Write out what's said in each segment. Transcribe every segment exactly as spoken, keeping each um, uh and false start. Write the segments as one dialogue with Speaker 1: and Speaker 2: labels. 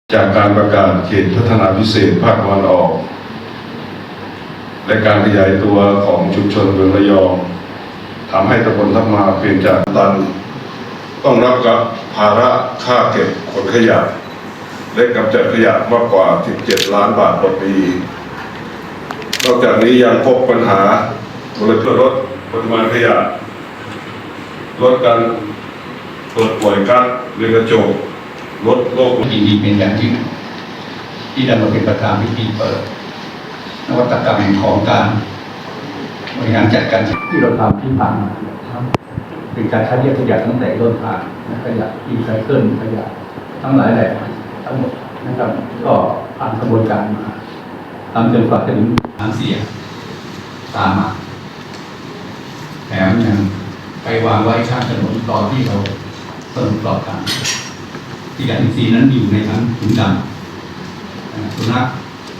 Speaker 1: จากการประกาศเขตพัฒนาพิเศษภาคตะวันออกและการขยายตัวของชุมชนเมืองระยองทำให้ตำบลทับมาเปลี่ยนจากตันต้องรับกับภาระค่าเก็บขนขยะและกำจัดขยะมากกว่าสิบเจ็ดล้านบาทต่อปีนอกจากนี้ยังพบปัญหามลพิษลดปริมาณขยะลดการเปิดปล่อยก๊าซเรือนกระจกลดโลก
Speaker 2: ยินดีเป็นอย่างยิ่งที่ได้มาเป็นประธานพิธีเปิดนวัตกรรมแห่งของการบริหารจัดการที่เราทำที่ผ่านมาเป็นการคัดแยกขยะตั้งแต่ต้นทางขยะรีไซเคิลขยะทั้งหลายแหล่ทั้งหมดนะครับก็ผ่านกระบวนการมาทำจนกว่าจะถึงทางเสียตามมาแถมยังไปวางไว้ข้างถนนตอนที่เราเติมปลอดการที่ยาอินทรีย์นั้นอยู่ในทั้งถุงดำสุนัข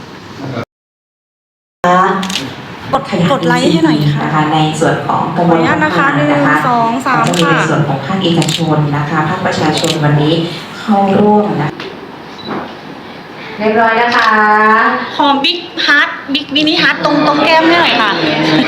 Speaker 3: กดกดไลค์ให้หน่อยค่ะ
Speaker 4: นะคะในส่วนของกระบวนการ
Speaker 3: นะคะหนึ่งสองสามค่ะ
Speaker 4: ในส่วนของภาคเอกชนนะคะภาคประชาชนวันนี้เข้าร่วมนะเรียบร้อยนะคะ
Speaker 3: หอมบิ๊กฮาร์ดบิ๊กมินิฮาร์ดตรงตรงแก้มให้หน่อยค่ะ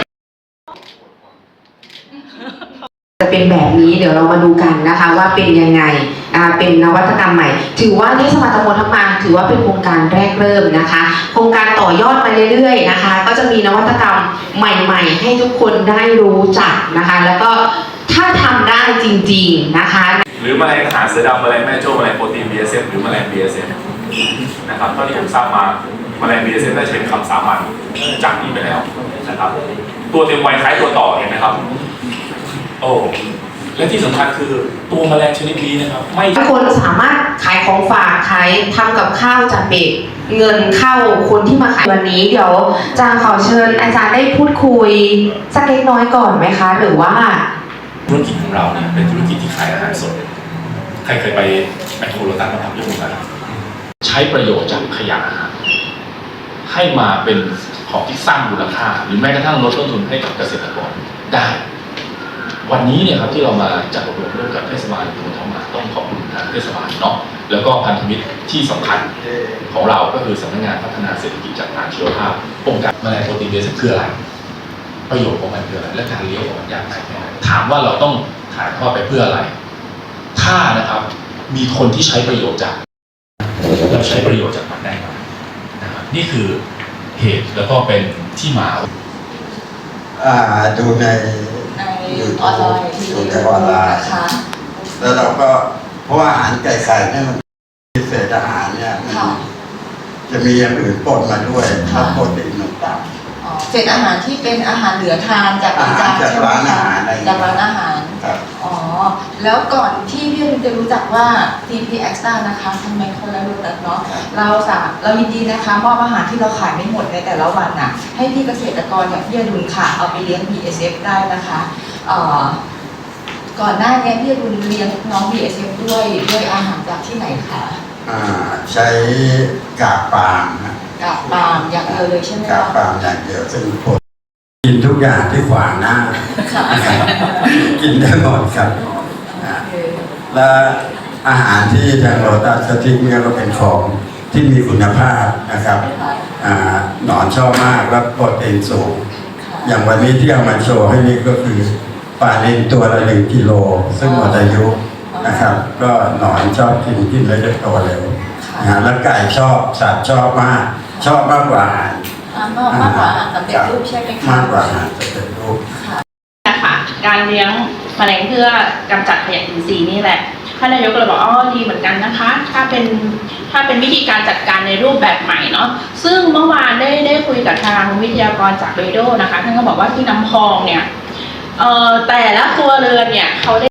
Speaker 4: จะเป็นแบบนี้เดี๋ยวเรามาดูกันนะคะว่าเป็นยังไงอ่าเป็นนวัตกรรมใหม่ถือว่าเทศบาลตำบลทับมาถือว่าเป็นโครงการแรกเริ่มนะคะโครงการต่อยอดมาเรื่อยๆนะคะก็จะมีนวัตกรรมใหม่ๆให้ทุกคนได้รู้จักนะคะแล้วก็ถ้าทำได้จริงๆนะคะ
Speaker 5: หรือแมลงหาเสือดำแมลงแม่โจ้แมลงโปรตีน บี เอส เอฟ หรือแมลง บี เอส เอฟ นะครับเท่าที่ผมทราบมาแมลง บี เอส เอฟ ได้ใช้เป็นคำสามัญจากนี้ไปแล้วนะครับตัวเต็มวัยคล้ายตัวต่อเห็นไหมครับโอ้และที่สำคัญคือตัวแมลงชนิดนี้นะครับไม่
Speaker 4: ทุกคนสามารถขายของฝากขายทำกับข้าวจากเด็กเงินเข้าคนที่มาขายวันนี้เดี๋ยวจางขอเชิญอาจารย์ได้พูดคุยสักเล็กน้อยก่อนไหมคะหรือว่า
Speaker 5: ธุรกิจของเราเนี่ยเป็นธุรกิจที่ขายอาหารสดใครเคยไปแมคโครโลตัสมาทำยกมือกันใช้ประโยชน์จากขยะอาหารให้มาเป็นของที่สร้างมูลค่าหรือแม้กระทั่งลดต้นทุนให้กับเกษตรกรได้วันนี้เนี่ยครับที่เรามาจัดอบรมร่วมกับเทศบาลตำบลทับมาต้องขอบคุณทางเทศบาลเนาะแล้วก็พันธมิตรที่สำคัญของเราก็คือสำนักงานพัฒนาเศรษฐกิจจากทางชีวภาพองค์การแมลงโปรตีนเบสคืออะไรประโยชน์ของมันคืออะไรและการเลี้ยงของมันยากง่ายแค่ไหนถามว่าเราต้องถ่ายทอดไปเพื่ออะไรถ้านะครับมีคนที่ใช้ประโยชน์จากเราใช้ประโยชน์จากมันได้ไหมนะครับนี่คือเหตุแล้วก็เป็นที่มา
Speaker 6: อ่าดูใน
Speaker 3: ในออนไลน์
Speaker 6: ดูในออนไลน์แล้วเราก็เพราะว่าอาหารไก่ไข่เนี่ยมันเศษอาหารเนี่ยมันจะมีอย่างอื่นปนมาด้วยแล้วโปรตีนมันต่ำ
Speaker 3: เศษอาหารที่เป็นอาหารเหลือทานจาก
Speaker 6: จากร้านอาหาร
Speaker 3: จากร้านอาหารอ๋อแล้วก่อนที่พี่จะรู้จักว่า ที พี Extra นะคะทำไมคนละรู้จักเนาะเราสาเรายินดีนะคะมอบอาหารที่เราขายไม่หมดในแต่ละวันน่ะให้พี่เกษตรกรอย่างพี่อดุลค่ะเอาไปเลี้ยง บี เอส เอฟ ได้นะคะก่อนหน้านี้พี่อดุลเลี้ยงน้อง บี เอส เอฟ ด้วยด้วยอาหารจากที่ไหนคะ
Speaker 6: ใช้กากปาล์มนะ
Speaker 3: กากปาล์มอย่างเดียวเลยใช่ไหม
Speaker 6: กากปาล์มอย่างเดียวซึ่งคนกินทุกอย่างที่ขวางหน้ากินได้หมดครับและอาหารที่ทางโรตัสเขาทิ้งเนี่ยก็เป็นของที่มีคุณภาพนะครับหนอนชอบมากและโปรตีนสูงอย่างวันนี้ที่เอามาโชว์ให้นี่ก็คือปลาลิ้นตัวละหนึ่งกิโลซึ่งหมดอายุนะครับก็หนอนชอบกินกินแล้วจะโตเร็วนะแล้วไก่ชอบสัตว์ชอบมากชอบมากกว่าอาหาร
Speaker 3: มากกว่าอาหารสำเร็จรูปใช่ไหมคะ
Speaker 6: มากกว่าอาหารสำเร็จรูป
Speaker 7: นะคะการเลี้ยงแมลงเพื่อกำจัดขยะอินทรีย์นี่แหละท่านนายกก็เลยบอกอ๋อดีเหมือนกันนะคะถ้าเป็นถ้าเป็นวิธีการจัดการในรูปแบบใหม่เนาะซึ่งเมื่อวานได้ได้คุยกับทางวิทยากรจากเรโดนะคะท่านก็บอกว่าที่น้ำพองเนี่ยเอ่อแต่ละครัวเรือนเนี่ยเขาได้